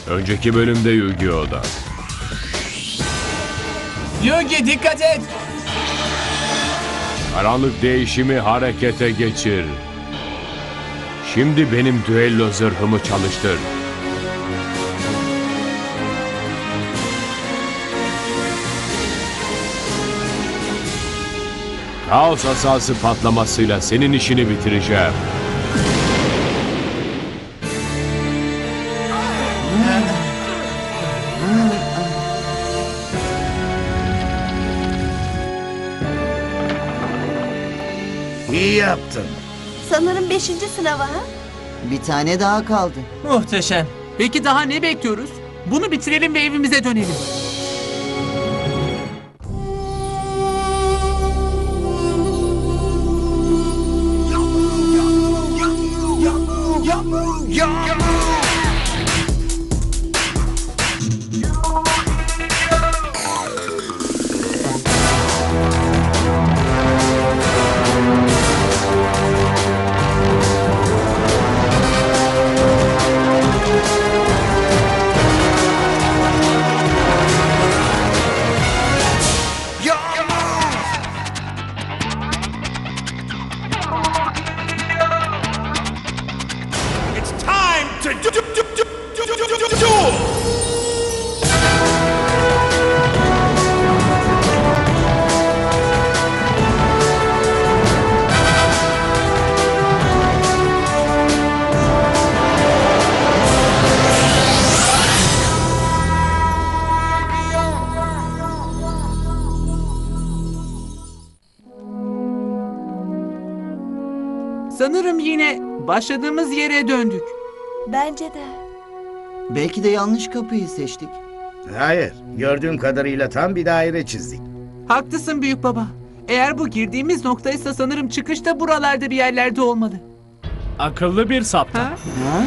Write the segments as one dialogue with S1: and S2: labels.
S1: Önceki bölümde Yu-Gi-Oh'da.
S2: Yugi dikkat et.
S1: Karanlık değişimi harekete geçir. Şimdi benim düello zırhımı çalıştır. Kaos asası patlamasıyla senin işini bitireceğim.
S3: İyi yaptın.
S4: Sanırım 5. sınava ha?
S5: Bir tane daha kaldı.
S2: Muhteşem.
S6: Peki daha ne bekliyoruz? Bunu bitirelim ve evimize dönelim. Sanırım yine başladığımız yere döndük.
S4: Bence de.
S5: Belki de yanlış kapıyı seçtik.
S3: Hayır, gördüğüm kadarıyla tam bir daire çizdik.
S6: Haklısın büyük baba. Eğer bu girdiğimiz noktaysa sanırım çıkış da buralarda bir yerlerde olmalı.
S7: Akıllı bir saptama.
S6: Ha?
S5: Ha?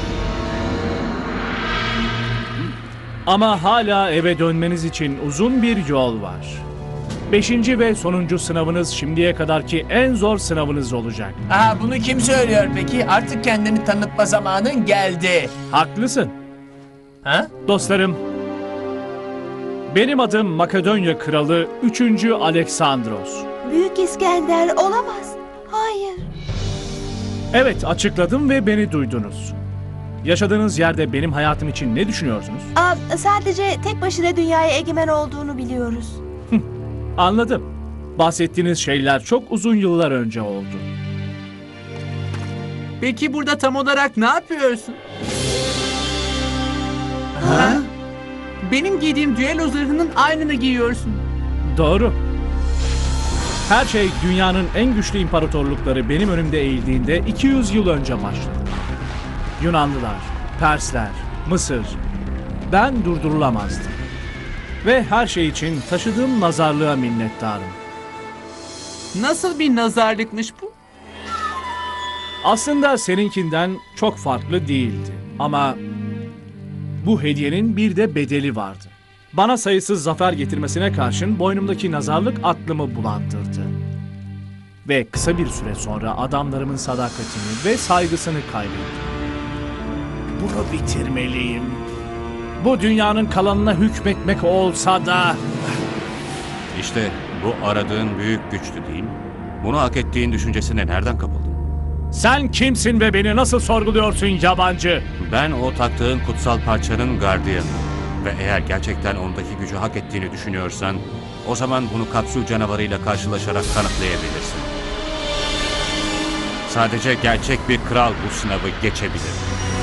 S7: Ama hala eve dönmeniz için uzun bir yol var. 5. ve sonuncu sınavınız şimdiye kadarki en zor sınavınız olacak.
S2: Aha, bunu kim söylüyor peki? Artık kendini tanıtma zamanın geldi.
S7: Haklısın.
S2: Ha?
S7: Dostlarım, benim adım Makedonya Kralı 3. Aleksandros.
S4: Büyük İskender olamaz. Hayır.
S7: Evet, açıkladım ve beni duydunuz. Yaşadığınız yerde benim hayatım için ne düşünüyorsunuz?
S4: Sadece tek başına dünyaya egemen olduğunu biliyoruz.
S7: Anladım. Bahsettiğiniz şeyler çok uzun yıllar önce oldu.
S6: Peki burada tam olarak ne yapıyorsun?
S5: Ha?
S6: Benim giydiğim düello zırhının aynını giyiyorsun.
S7: Doğru. Her şey dünyanın en güçlü imparatorlukları benim önümde eğildiğinde 200 yıl önce başladı. Yunanlılar, Persler, Mısır. Ben durdurulamazdım. Ve her şey için taşıdığım nazarlığa minnettarım.
S6: Nasıl bir nazarlıkmış bu?
S7: Aslında seninkinden çok farklı değildi. Ama bu hediyenin bir de bedeli vardı. Bana sayısız zafer getirmesine karşın boynumdaki nazarlık aklımı bulandırdı. Ve kısa bir süre sonra adamlarımın sadakatini ve saygısını kaybettim. Bunu bitirmeliyim. Bu dünyanın kalanına hükmetmek olsa da...
S8: İşte bu aradığın büyük güçtü değil mi? Bunu hak ettiğin düşüncesine nereden kapıldın?
S7: Sen kimsin ve beni nasıl sorguluyorsun yabancı?
S8: Ben o taktığın kutsal parçanın gardiyanı. Ve eğer gerçekten ondaki gücü hak ettiğini düşünüyorsan, o zaman bunu kapsül canavarıyla karşılaşarak kanıtlayabilirsin. Sadece gerçek bir kral bu sınavı geçebilir.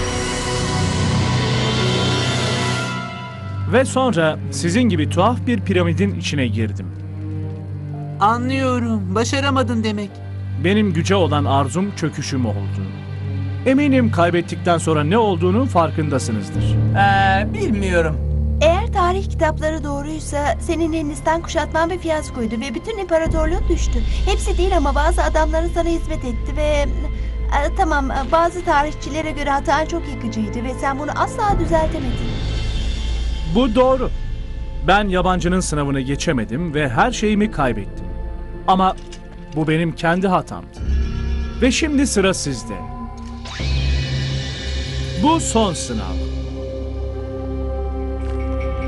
S7: Ve sonra sizin gibi tuhaf bir piramidin içine girdim.
S6: Anlıyorum. Başaramadın demek.
S7: Benim güce olan arzum çöküşüm oldu. Eminim kaybettikten sonra ne olduğunu farkındasınızdır.
S2: Bilmiyorum.
S4: Eğer tarih kitapları doğruysa senin Hindistan kuşatman bir fiyaskoydu ve bütün imparatorluğun düştü. Hepsi değil ama bazı adamların sana hizmet etti ve... Tamam, bazı tarihçilere göre hatan çok yıkıcıydı ve sen bunu asla düzeltemedin.
S7: Bu doğru. Ben yabancının sınavını geçemedim ve her şeyimi kaybettim. Ama bu benim kendi hatamdı. Ve şimdi sıra sizde. Bu son sınav.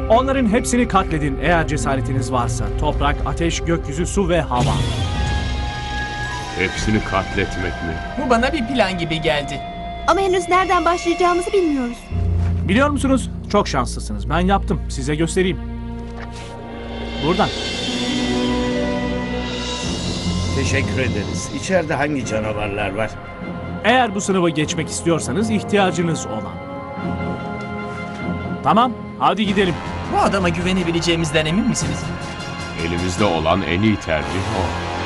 S7: Onların hepsini katledin eğer cesaretiniz varsa. Toprak, ateş, gökyüzü, su ve hava.
S1: Hepsini katletmek mi?
S2: Bu bana bir plan gibi geldi.
S4: Ama henüz nereden başlayacağımızı bilmiyoruz.
S7: Biliyor musunuz? Çok şanslısınız. Ben yaptım. Size göstereyim. Buradan.
S3: Teşekkür ederiz. İçeride hangi canavarlar var?
S7: Eğer bu sınavı geçmek istiyorsanız ihtiyacınız olan. Tamam, hadi gidelim.
S2: Bu adama güvenebileceğimizden emin misiniz?
S1: Elimizde olan en iyi tercih o.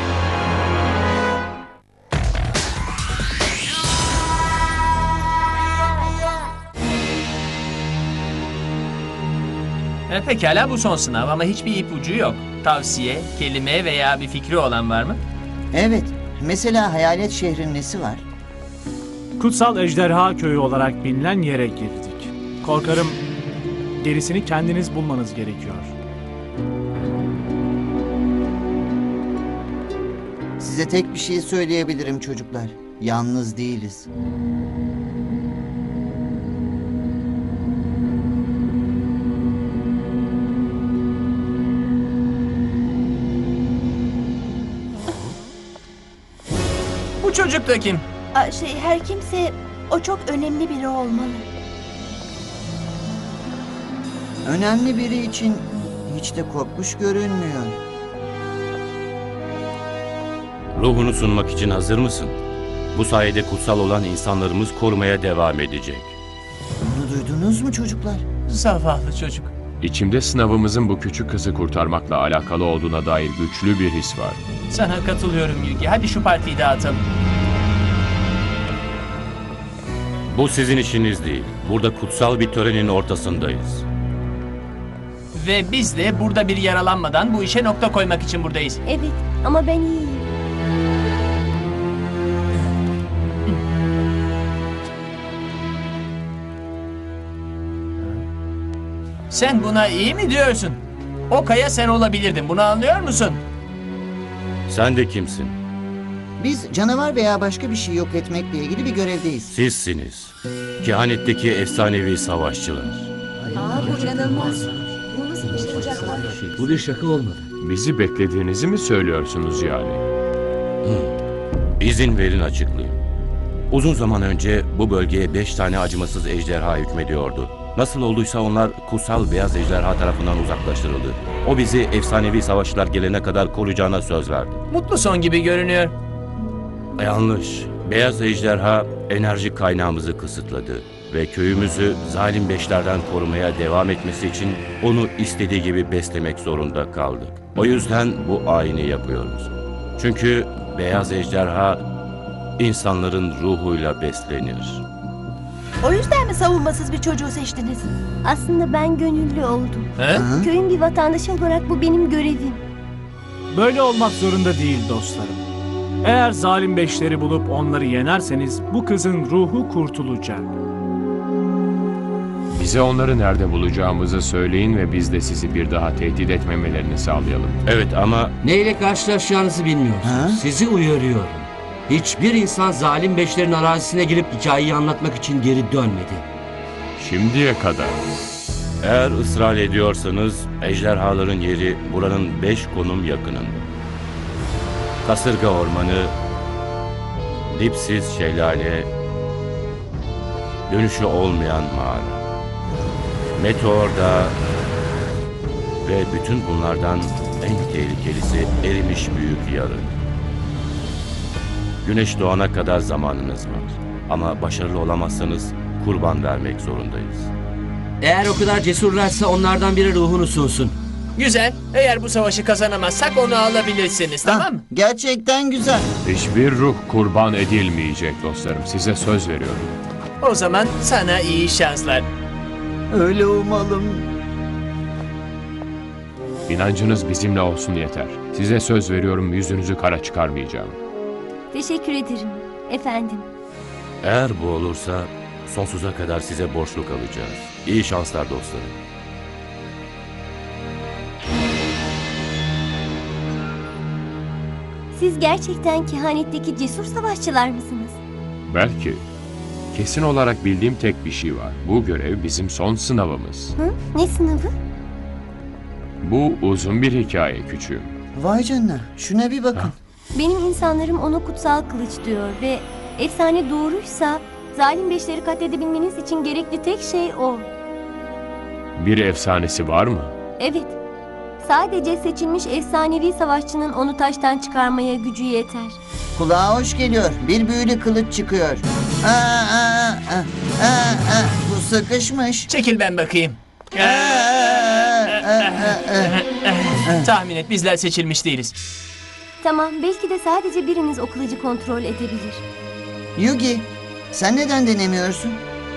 S2: Pekala bu son sınav ama hiçbir ipucu yok. Tavsiye, kelime veya bir fikri olan var mı?
S5: Evet. Mesela hayalet şehrin nesi var?
S7: Kutsal Ejderha Köyü olarak bilinen yere girdik. Korkarım gerisini kendiniz bulmanız gerekiyor.
S5: Size tek bir şey söyleyebilirim çocuklar. Yalnız değiliz.
S2: Bu çocuk da kim?
S4: Her kimse o çok önemli biri olmalı.
S5: Önemli biri için hiç de korkmuş görünmüyor.
S8: Ruhunu sunmak için hazır mısın? Bu sayede kutsal olan insanlarımız korumaya devam edecek.
S5: Bunu duydunuz mu çocuklar?
S2: Zavallı çocuk.
S1: İçimde sınavımızın bu küçük kızı kurtarmakla alakalı olduğuna dair güçlü bir his var.
S2: Sana katılıyorum Yugi. Hadi şu partiyi dağıtalım.
S8: Bu sizin işiniz değil. Burada kutsal bir törenin ortasındayız.
S2: Ve biz de burada bir yaralanmadan bu işe nokta koymak için buradayız.
S9: Evet ama ben iyiyim.
S2: Sen buna iyi mi diyorsun? O kaya sen olabilirdin. Bunu anlıyor musun?
S8: Sen de kimsin?
S5: Biz canavar veya başka bir şey yok etmekle ilgili bir görevdeyiz.
S8: Sizsiniz. Kehanetteki efsanevi savaşçılar.
S9: Bu inanılmaz. Bu nasıl bir şey olacaklar?
S1: Bu bir şaka olmadı. Bizi beklediğinizi mi söylüyorsunuz yani?
S8: İzin verin açıklayayım. Uzun zaman önce bu bölgeye 5 tane acımasız ejderha hükmediyordu. Nasıl olduysa onlar kutsal beyaz ejderha tarafından uzaklaştırıldı. O bizi efsanevi savaşçılar gelene kadar koruyacağına söz verdi.
S2: Mutlu son gibi görünüyor.
S8: Yanlış. Beyaz ejderha enerji kaynağımızı kısıtladı ve köyümüzü zalim beşlerden korumaya devam etmesi için onu istediği gibi beslemek zorunda kaldık. O yüzden bu ayini yapıyoruz. Çünkü beyaz ejderha insanların ruhuyla beslenir.
S4: O yüzden mi savunmasız bir çocuğu seçtiniz?
S9: Aslında ben gönüllü oldum.
S2: He?
S9: Köyün bir vatandaşı olarak bu benim görevim.
S7: Böyle olmak zorunda değil dostlarım. Eğer zalim beşleri bulup onları yenerseniz bu kızın ruhu kurtulacak.
S1: Bize onları nerede bulacağımızı söyleyin ve biz de sizi bir daha tehdit etmemelerini sağlayalım.
S8: Evet ama
S10: Neyle karşılaşacağınızı bilmiyorsunuz.
S5: Ha?
S10: Sizi uyarıyorum. Hiçbir insan zalim beşlerin arazisine girip hikayeyi anlatmak için geri dönmedi.
S1: Şimdiye kadar.
S8: eğer ısrar ediyorsanız ejderhaların yeri buranın 5 konum yakınında. Kasırga Ormanı, dipsiz şelale, dönüşü olmayan mağara, Meteor Dağı ve bütün bunlardan en tehlikelisi erimiş büyük yarı. Güneş doğana kadar zamanınız var. Ama başarılı olamazsanız kurban vermek zorundayız.
S10: Eğer o kadar cesurlarsa onlardan biri ruhunu sunsun.
S2: Güzel. Eğer bu savaşı kazanamazsak onu alabilirsiniz. Tamam mı?
S5: Gerçekten güzel.
S1: Hiçbir ruh kurban edilmeyecek dostlarım. Size söz veriyorum.
S2: O zaman sana iyi şanslar.
S5: Öyle umalım.
S1: İnancınız bizimle olsun yeter. Size söz veriyorum, yüzünüzü kara çıkarmayacağım.
S9: Teşekkür ederim efendim.
S8: Eğer bu olursa sonsuza kadar size borçlu kalacağız. İyi şanslar dostlarım.
S9: Siz gerçekten kehanetteki cesur savaşçılar mısınız?
S1: Belki. Kesin olarak bildiğim tek bir şey var. Bu görev bizim son sınavımız.
S9: Hı? Ne sınavı?
S1: Bu uzun bir hikaye küçüğüm.
S5: Vay canına, şuna bir bakın.
S9: Benim insanlarım ona kutsal kılıç diyor ve efsane doğruysa zalim beşleri katledebilmeniz için gerekli tek şey o.
S1: Bir efsanesi var mı?
S9: Evet. Sadece seçilmiş efsanevi savaşçının onu taştan çıkarmaya gücü yeter.
S5: Kulağa hoş geliyor. Bir büyülü kılıç çıkıyor. Bu sıkışmış.
S2: Çekil ben bakayım. Tahmin et, bizler seçilmiş değiliz.
S9: Tamam, belki de sadece biriniz o kılıcı kontrol edebilir.
S5: Yugi, sen neden denemiyorsun?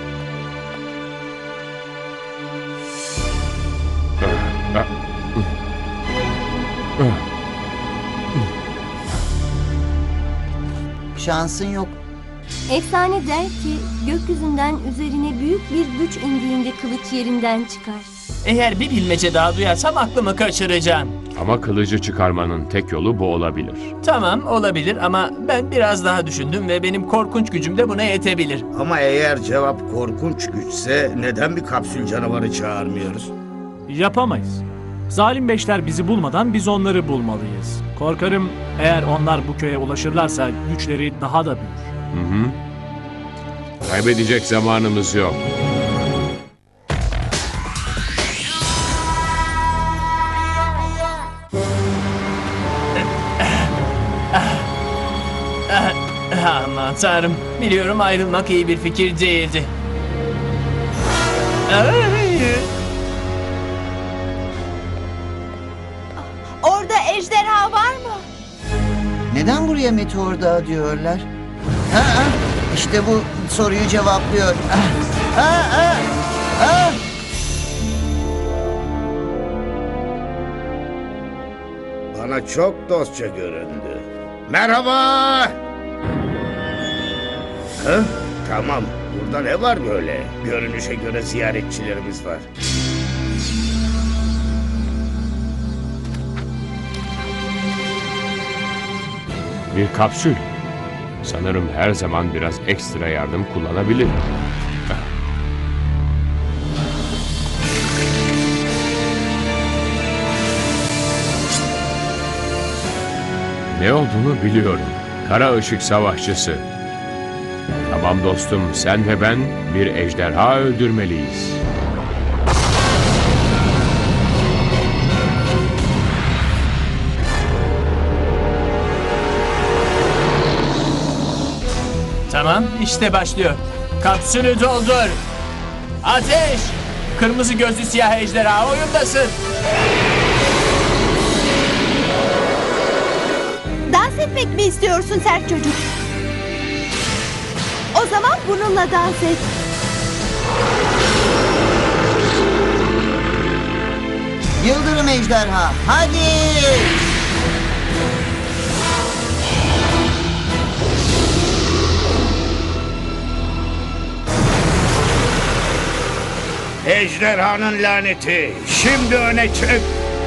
S5: Şansın yok.
S9: Efsane der ki gökyüzünden üzerine büyük bir güç indiğinde kılıç yerinden çıkar.
S2: Eğer bir bilmece daha duyarsam aklımı kaçıracağım.
S1: Ama kılıcı çıkarmanın tek yolu bu olabilir.
S2: Tamam, olabilir ama ben biraz daha düşündüm ve benim korkunç gücüm de buna yetebilir.
S3: Ama eğer cevap korkunç güçse neden bir kapsül canavarı çağırmıyoruz?
S7: Yapamayız. Zalim beşler bizi bulmadan biz onları bulmalıyız. Korkarım eğer onlar bu köye ulaşırlarsa güçleri daha da büyür.
S1: Kaybedecek zamanımız yok.
S2: Aman tanrım, biliyorum ayrılmak iyi bir fikir değildi. Ay!
S4: Orada ejderha var mı?
S5: Neden buraya meteor dağı diyorlar? İşte bu soruyu cevaplıyor.
S3: Bana çok dostça göründü. Merhaba! Hı? Tamam, burada ne var böyle? Görünüşe göre ziyaretçilerimiz var.
S1: Bir kapsül. Sanırım her zaman biraz ekstra yardım kullanabilir. Ne olduğunu biliyorum. Kara ışık savaşçısı. Tamam dostum, sen ve ben bir ejderha öldürmeliyiz.
S2: Tamam, işte başlıyor. Kapsülü doldur. Ateş! Kırmızı gözlü siyah ejderha oyundasın.
S4: Dans etmek mi istiyorsun sert çocuk? O zaman bununla dans et.
S5: Yıldırım ejderha, hadi!
S3: Ejderhanın laneti, şimdi öne çık!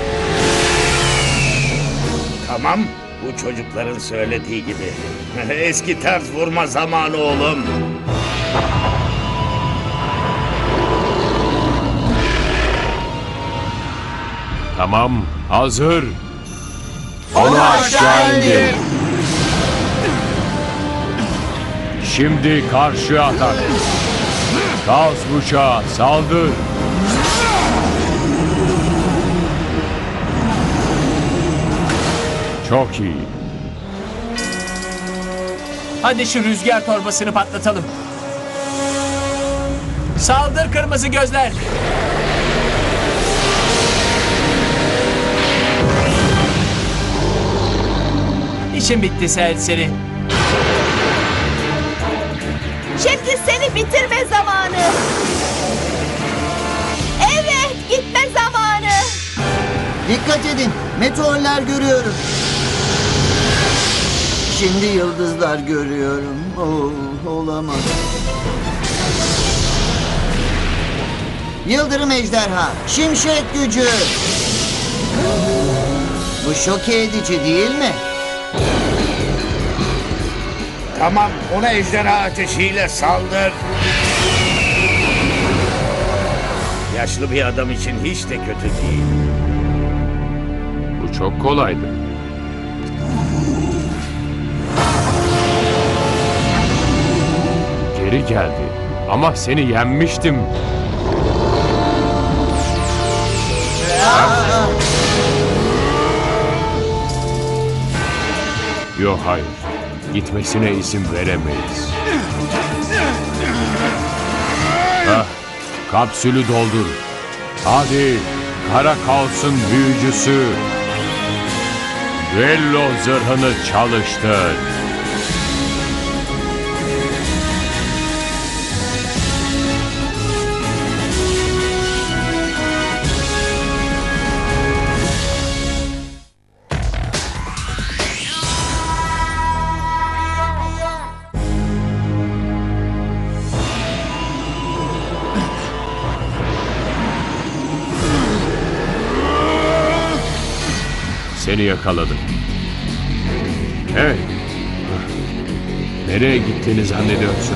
S3: Tamam, bu çocukların söylediği gibi. Eski tarz vurma zamanı oğlum.
S1: Tamam, hazır. Onu aşağı indir. Şimdi karşı atak. Kaos bıçağı, saldır. Çok iyi.
S2: Hadi şu rüzgar torbasını patlatalım. Saldır kırmızı gözler. İşin bitti serseri.
S4: Şimdi seni bitirme zamanı. Evet, gitme zamanı.
S5: Dikkat edin, meteorlar görüyorum. Şimdi yıldızlar görüyorum. Olamaz. Yıldırım ejderha, şimşek gücü. Bu şok edici değil mi?
S3: Tamam, ona ejderha ateşiyle saldır. Yaşlı bir adam için hiç de kötü değil.
S1: Bu çok kolaydı. Geri geldi. Ama seni yenmiştim. Yok, hayır. Gitmesine izin veremeyiz. Kapsülü doldur. Hadi, Kara Kaos'un büyücüsü. Düello zırhını çalıştır. Seni yakaladım. Hey! Nereye gittiğini zannediyorsun?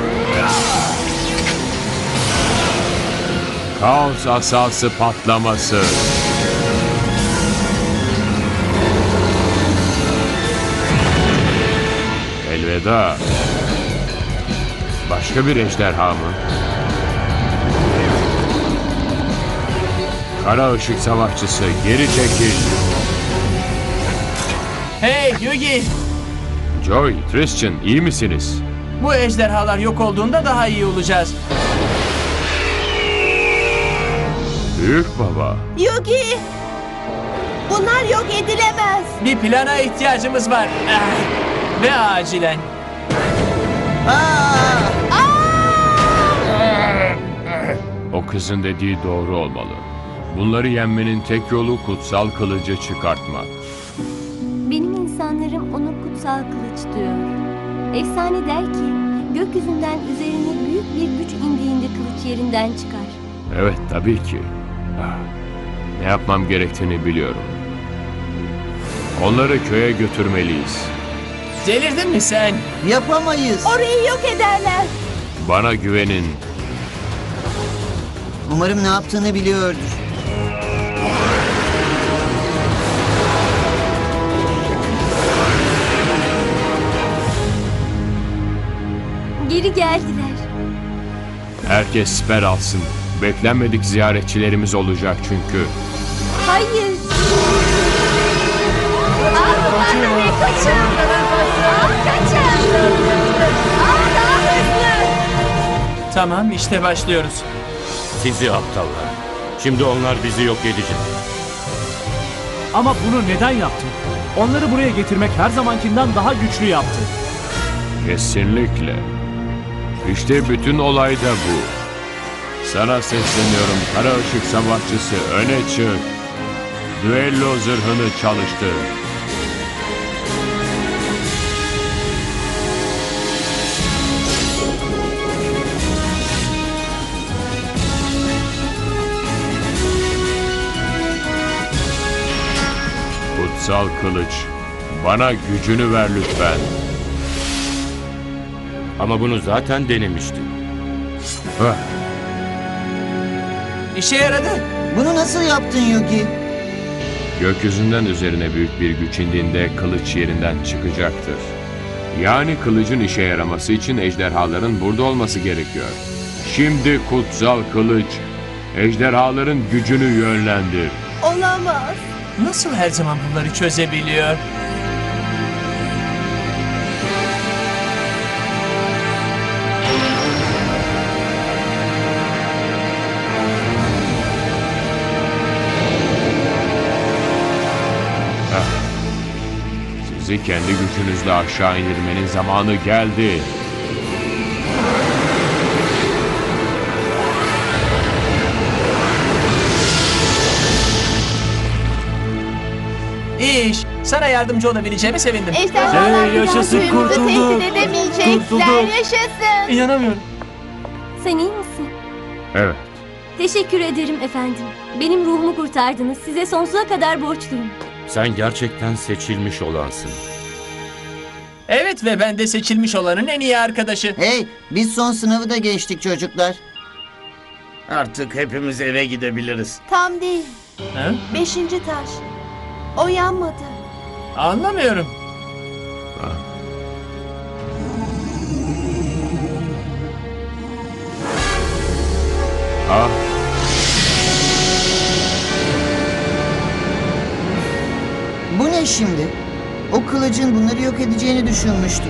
S1: Kaos asası patlaması. Elveda. Başka bir ejderha mı? Kara ışık savaşçısı, geri çekil.
S2: Hey Yugi!
S1: Joy, Christian, iyi misiniz?
S2: Bu ejderhalar yok olduğunda daha iyi olacağız.
S1: Büyük baba.
S4: Yugi! Bunlar yok edilemez.
S2: Bir plana ihtiyacımız var. Ve acilen.
S1: O kızın dediği doğru olmalı. Bunları yenmenin tek yolu kutsal kılıcı çıkartmak.
S9: Benim insanlarım ona kutsal kılıç diyor. Efsane der ki gökyüzünden üzerine büyük bir güç indiğinde kılıç yerinden çıkar.
S1: Evet, tabii ki. Ne yapmam gerektiğini biliyorum. Onları köye götürmeliyiz.
S2: Delirdin mi sen?
S5: Yapamayız.
S4: Orayı yok ederler.
S1: Bana güvenin.
S5: Umarım ne yaptığını biliyordur.
S9: Geri geldiler.
S1: Herkes siper alsın. Beklenmedik ziyaretçilerimiz olacak çünkü.
S9: Hayır. Kaçın. Kaçın. Daha hızlı.
S2: Tamam, işte başlıyoruz.
S8: Sizi aptallar. Şimdi onlar bizi yok edecek.
S7: Ama bunu neden yaptın? Onları buraya getirmek her zamankinden daha güçlü yaptı.
S1: Kesinlikle. İşte bütün olay da bu. Sana sesleniyorum, Kara Işık Savaşçısı, öne çık. Düello zırhını çalıştır. Kutsal kılıç, bana gücünü ver lütfen.
S8: Ama bunu zaten denemiştim.
S2: İşe yaradı.
S5: Bunu nasıl yaptın Yugi?
S1: Gökyüzünden üzerine büyük bir güç indiğinde kılıç yerinden çıkacaktır. Yani kılıcın işe yaraması için ejderhaların burada olması gerekiyor. Şimdi kutsal kılıç, ejderhaların gücünü yönlendir.
S4: Olamaz.
S2: Nasıl her zaman bunları çözebiliyor?
S1: Sizi kendi gücünüzle aşağı indirmenin zamanı geldi.
S2: İyi iş. Sana yardımcı olabileceğime sevindim.
S4: Ejderhalar
S7: Hey, yaşasın,
S4: bir daha köyümüzü
S7: kurtulduk.
S4: tehdit edemeyecekler.
S7: Kurtulduk.
S4: Yaşasın.
S2: İnanamıyorum.
S9: Sen iyi misin?
S1: Evet,
S9: Teşekkür ederim efendim. Benim ruhumu kurtardınız. Size sonsuza kadar borçluyum.
S8: Sen gerçekten seçilmiş olansın.
S2: Evet ve ben de seçilmiş olanın en iyi arkadaşı.
S5: Hey, biz son sınavı da geçtik çocuklar.
S3: Artık hepimiz eve gidebiliriz.
S4: Tam değil.
S2: Ha?
S4: 5. taş. O yanmadı.
S2: Anlamıyorum.
S1: Ah,
S5: Bu ne şimdi? O kılıcın bunları yok edeceğini düşünmüştüm.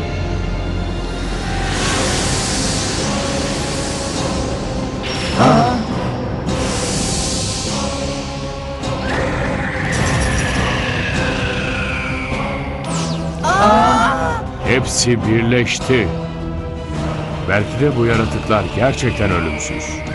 S1: hepsi birleşti. Belki de bu yaratıklar gerçekten ölümsüz.